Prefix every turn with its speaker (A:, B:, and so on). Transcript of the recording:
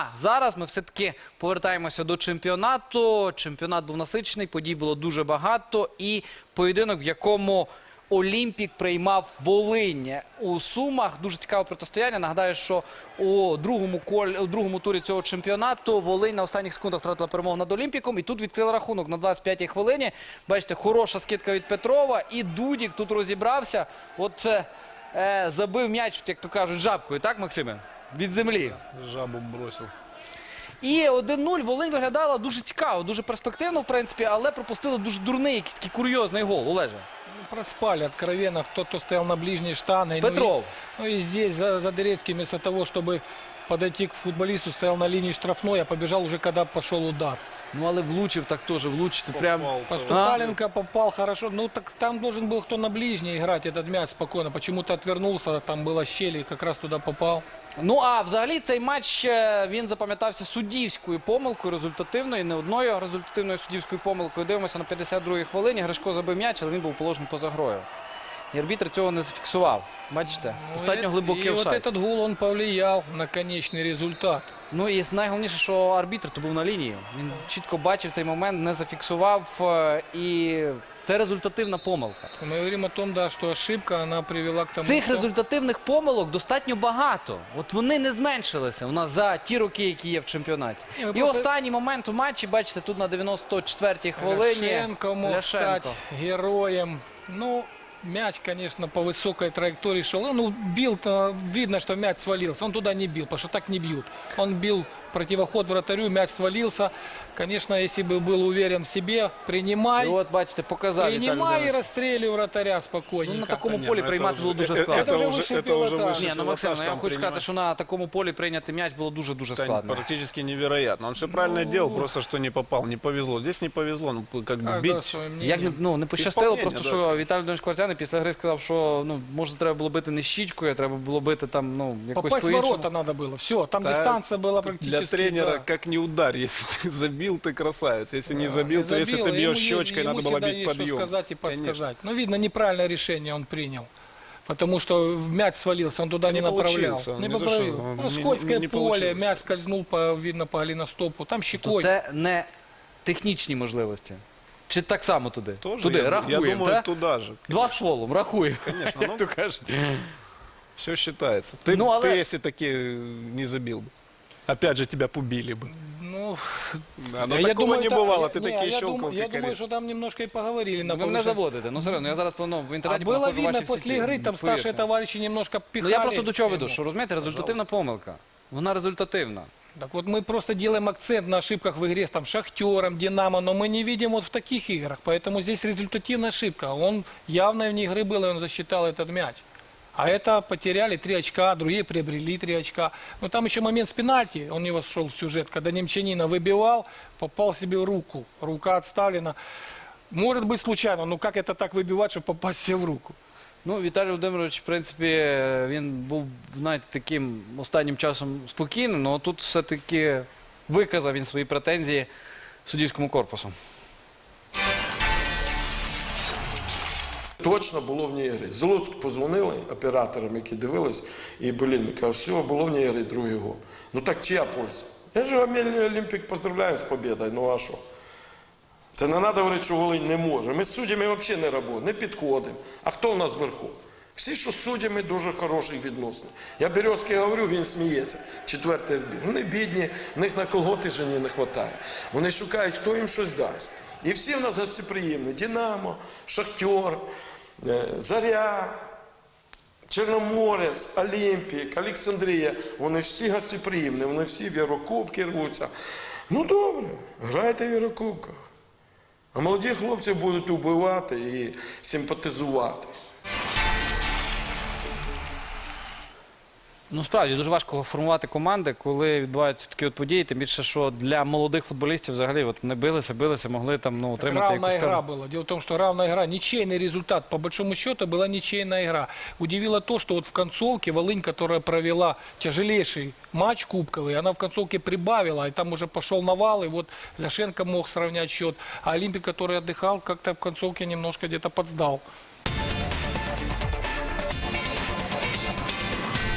A: зараз ми все-таки повертаємося до чемпіонату. Чемпіонат був насичений, подій було дуже багато. І поєдинок, в якому Олімпік приймав Волинь у Сумах. Дуже цікаве протистояння. Нагадаю, що у другому турі цього чемпіонату Волинь на останніх секундах втратила перемогу над Олімпіком. І тут відкрили рахунок на 25-й хвилині. Бачите, хороша скидка від Петрова. І Дудік тут розібрався. От це забив м'яч, як то кажуть, жабкою. Так, Максиме? Від землі.
B: Жабу бросив.
A: І 1-0 Волинь виглядала дуже цікаво, дуже перспективно, в принципі, але пропустили дуже дурний, якийсь такий курйозний гол. Олеже.
C: Проспали откровенно, кто стоял на ближней штанге.
A: Петров.
C: Ну и здесь Задерецкий вместо того, чтобы подойти к футболисту, стоял на линии штрафной, а побежал уже, когда пошел удар.
A: Ну, але влучив так теж, влучити прям.
C: Поступаленко попал хорошо. Ну, так там должен был кто на ближней играть этот мяч спокойно. Почему-то отвернулся, там была щель и как раз туда попал.
A: Ну, а взагалі цей матч, він запам'ятався суддівською помилкою, результативною, не одною результативною суддівською помилкою. Дивимося на 52-й хвилині. Гришко забив м'яч, але він був положений поза грою. І арбітр цього не зафіксував. Бачите, достатньо глибокий офсайд.
C: І от этот гол, він повлияв на конечний результат.
A: Ну і найголовніше, що арбітр то був на лінії. Він чітко бачив цей момент, не зафіксував. І це результативна помилка.
C: Ми говоримо о том, да, що ошибка, вона привела к тому,
A: Цих
C: що...
A: результативних помилок достатньо багато. От вони не зменшилися у нас за ті роки, які є в чемпіонаті. І останній момент у матчі, бачите, тут на 94-й хвилині.
C: Ляшенко мог стати героєм. Ну, мяч, конечно, по высокой траектории шел. Ну, бил, видно, что мяч свалился. Он туда не бил, потому что так не бьют. Он бил противоход вратарю, мяч свалился. Конечно, если бы был уверен в себе, принимай.
A: І от, бачите, показав
C: Принимай и расстреливай вратаря спокойненько.
A: Ну, на такому полі приймати було дуже складно.
C: Это уже вищий пілотаж.
A: Ні, ну, Максим, я хочу сказати, що на такому полі прийняти м'яч було дуже-дуже складно.
B: Практически невероятно. Он все правильно делал, просто что не попал. Не повезло. Здесь не повезло. Ну, как бы бить.
A: Як не пощастило,
B: Ісполнення,
A: просто що Віталій Володимирович Кварцяний після гри сказав, що може треба було бити не щічкою, а треба було бити там, якось
C: Попасть в
A: по-іншому.
C: ворота надо было. Все, там дистанция была практически.
B: Для тренера
C: да.
B: как не удар. Если ты забил, ты красавец. Если не забил, то если ты бьешь щечкой, надо было бить подъем.
C: Ему сказать и подсказать. Ну, видно, неправильное решение он принял. Потому что мяч свалился, он туда не направлял. Не поправил. Ну, скользкое поле, мяч скользнул, видно, по голеностопу. Там щекой.
A: Це не технічні можливості. Чи так само туди?
B: Тоже,
A: Туди,
B: я
A: рахуємо,
B: думаю,
A: так?
B: туда же.
A: Два з фолом, рахуємо.
B: Конечно,
A: Як то кажуть.
B: все считается. Ты,
A: Ну, але-
B: ты, если таки не забил бы. Опять же, тебя побили бы.
C: Ну,
B: Да, но такого не бывало. Ты такие щелкал,
C: я думаю, что там немножко и поговорили на
A: Ви мене
C: повышении.
A: заводите. Ну, серйозно, я зараз в
C: А
A: інтернеті
C: было
A: знаходжу
C: видно
A: ваші всі
C: после
A: ці,
C: игры, там
A: повірте.
C: старшие товарищи немножко
A: Ну,
C: пихали.
A: я просто до чого веду,
C: ему.
A: що, розумієте, результативна помилка. Вона результативна.
C: Так вот мы просто делаем акцент на ошибках в игре с там, Шахтером, Динамо, но мы не видим вот в таких играх. Поэтому здесь результативная ошибка. Он явно вне игры был, и он засчитал этот мяч. А это потеряли 3 очка, другие приобрели 3 очка. Но там еще момент с пенальти, он не вошел в сюжет, когда Немчанина выбивал, попал себе в руку. Рука отставлена. Может быть случайно, но как это так выбивать, чтобы попасть себе в руку?
A: Ну, Віталій Володимирович, в принципі, він був, знаєте, таким останнім часом спокійним, але тут все-таки виказав він свої претензії суддівському корпусу.
D: Точно було вне ігри. З Луцьку позвонили операторам, які дивились, і, кажуть, все, було вне ігри, другий гол. Ну так чия польза? Я ж Олімпік поздравляю з победою, ну а що? Це не треба говорити, що Волинь не може. Ми з суддями взагалі не працюємо, не підходимо. А хто у нас вверху? Всі, що з суддями, дуже хороші відносини. Я Березки говорю, він сміється. 4-й відбір. Вони бідні, в них на колготи жені не вистачає. Вони шукають, хто їм щось дасть. І всі в нас гостеприємні. Динамо, Шахтер, Заря, Чорноморець, Олімпік, Олександрія. Вони всі гостеприємні, вони всі в Єврокубки рвуться. Ну добре, грайте в Єврокубках. А молоді хлопці будуть вбивати і симпатизувати.
A: Ну, справді, дуже важко формувати команди, коли відбуваються такі от події, тим більше, що для молодих футболістів взагалі от не билися, могли там, отримати
C: Равная
A: якусь
C: игра
A: там...
C: была. Дело в том, что равная игра, ничейный результат, по большому счету, была ничейная игра. Удивило то, что вот в концовке Волынь, которая провела тяжелейший матч кубковый, она в концовке прибавила, и там уже пошел навал, и вот Ляшенко мог сравнять счет. А Олимпик, который отдыхал, как-то в концовке немножко где-то подсдал.